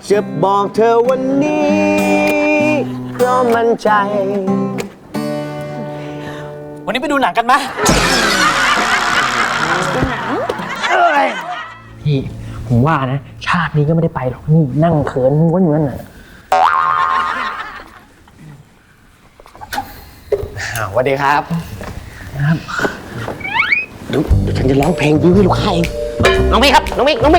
จะบอกเธอวันนี้เพราะมั่นใจวันนี้ไปดูหนังกันไหมดูหนังพี่ผมว่านะชาตินี้ก็ไม่ได้ไปหรอกนี่นั่งเขินม้วนอยู่นั่นน่ะสวัสดีครับเดี๋ยวฉันจะร้องเพลงบิวให้ลูกค้าเองน้องมิกครับน้องมิกพี่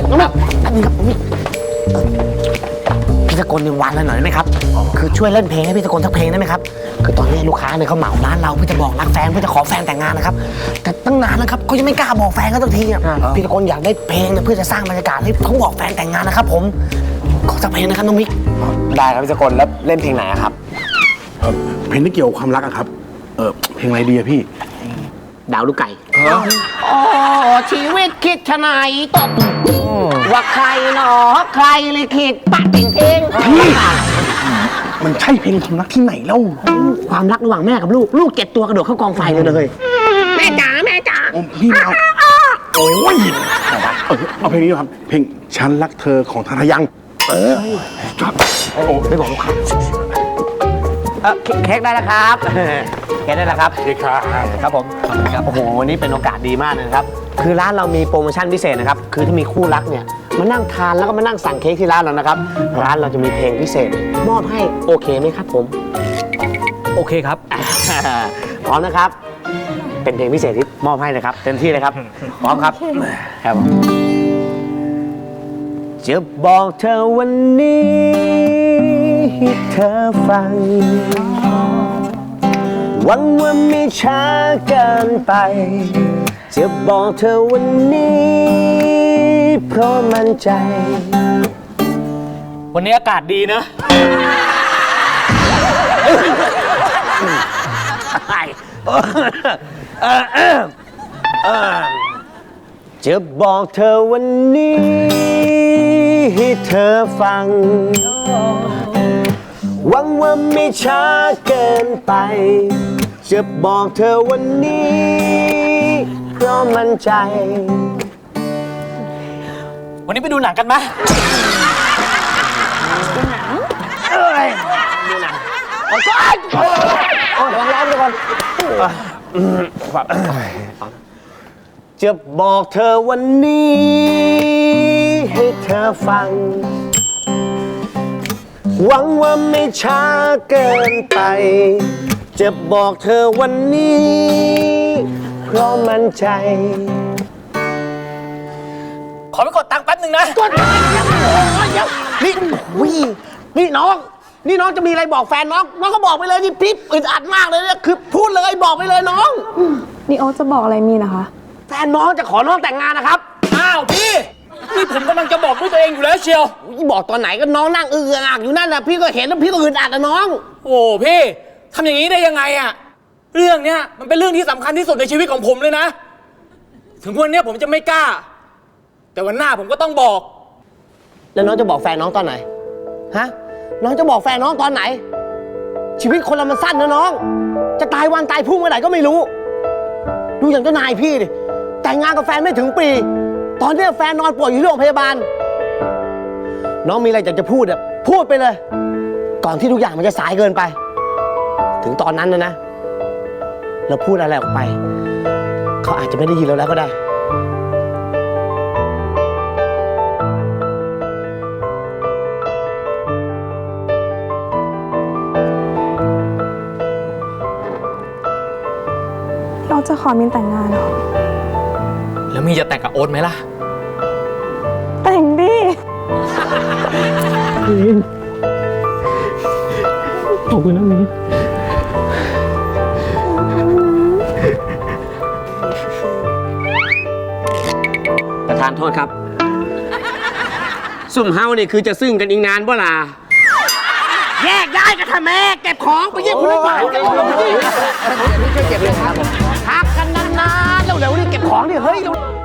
ตะโกนในวันละหน่อยได้ไหมครับคือช่วยเล่นเพลงให้พี่ตะโกนสักเพลงได้ไหมครับคือตอนนี้ลูกค้าเนี่ยเขาเหมาร้านเราเพื่อจะบอกรักแฟนเพื่อจะขอแฟนแต่งงานนะครับแต่ตั้งนานแล้วครับเขายังไม่กล้าบอกแฟนเขาสักทีอ่ะพี่ตะโกนอยากได้เพลงเพื่อจะสร้างบรรยากาศให้เขาบอกแฟนแต่งงานนะครับผมขอสักเพลงนะครับน้องมิกได้ครับพี่ตะโกนแล้วเล่นเพลงไหนครับเพลงที่เกี่ยวกับความรักอะครับเพลงอะไรดีอะพี่ดาวลูกไก่โอ้ชีวิตคิดชะไหนตกว่าใครหนอใครเลยคิดปัดเพลงมันใช่เพลงความรักที่ไหนเล่าความรักระหว่างแม่กับลูกเก็บตัวกระโดดเข้ากองไฟเลยแม่จ๋าพี่เอาโอ้ยเอาเพลงนี้ครับเพลงฉันรักเธอของทาทายังครับไม่บอกลูกค้าเค้กได้แล้วครับเค้กได้แล้วครับเค้กครับผมครับโอ้โหวันนี้เป็นโอกาสดีมากนะครับคือร้านเรามีโปรโมชั่นพิเศษนะครับคือถ้ามีคู่รักเนี่ยมานั่งทานแล้วก็มานั่งสั่งเค้กที่ร้านเรานะครับร้านเราจะมีเพลงพิเศษมอบให้โอเคไหมครับผมโอเคครับพร้อมนะครับเป็นเพลงพิเศษที่มอบให้นะครับเต็มที่เลยครับพร้อมครับครับจะบอกเธอวันนี้ให้เธอฟังหวังว่าไม่ช้าเกินไปจะบอกเธอวันนี้เพราะมั่นใจวันนี้อากาศดีนะจะบอกเธอวันนี้ให้เธอฟังหวังว่าไม่ช้าเกินไปจะบอกเธอวันนี้เพราะมั่นใจวันนี้ไปดูหนังกันไหมดูหนังโอ้ยร้องไปก่อนจะบอกเธอวันนี้ให้เธอฟังหวังว่าไม่ช้าเกินไปจะบอกเธอวันนี้เพราะมั่นใจขอไปกดตังค์แป๊บหนึ่งนะกดนี่น้องจะมีอะไรบอกแฟนน้องก็บอกไปเลยนี่พี่อึดอัดมากเลยเนี่ยคือพูดเลยบอกไปเลยน้องนี่โอ๊ตจะบอกอะไรมีนะคะแฟนน้องจะขอน้องแต่งงานนะครับอ้าวพี่นี่ผมกำลังจะบอกด้วยตัวเองอยู่แล้วเชียวบอกตอนไหนก็น้องนั่งอักอยู่นั่นนะพี่ก็เห็นแล้วพี่ก็อึดอัดนะน้องโอ้พี่ทำอย่างนี้ได้ยังไงอะเรื่องเนี้ยมันเป็นเรื่องที่สำคัญที่สุดในชีวิตของผมเลยนะถึงวันนี้ผมจะไม่กล้าแต่วันหน้าผมก็ต้องบอกแล้วน้องจะบอกแฟนน้องตอนไหนฮะน้องจะบอกแฟนน้องตอนไหนชีวิตคนเรามันสั้นนะน้องจะตายวันตายพรุ่งเมื่อไหร่ก็ไม่รู้ดูอย่างเจ้านายพี่ดิแต่งงานกับแฟนไม่ถึงปีตอนนี้แฟนนอนป่วยอยู่ที่โรงพยาบาลน้องมีอะไรอยากจะพูดอะพูดไปเลยก่อนที่ทุกอย่างมันจะสายเกินไปถึงตอนนั้นนะเราพูดอะไรออกไปเขาอาจจะไม่ได้ยินเราแล้วก็ได้เราจะขอมินแต่งงานเหรอแล้วมีจะแต่งกับโอ๊ตไหมล่ะแต่งดิขอบคุณนะมินประธานโทษครับซุ่มเฮานี่คือจะซึ่งกันอีกนานบ่ล่ะแยกย้ายกันทำไมเก็บของไปเยี่ยมคุณลูกหลานกันช่วยเก็บเลยครับพักกันนานๆเร็วๆนี่เก็บของดิเฮ้ย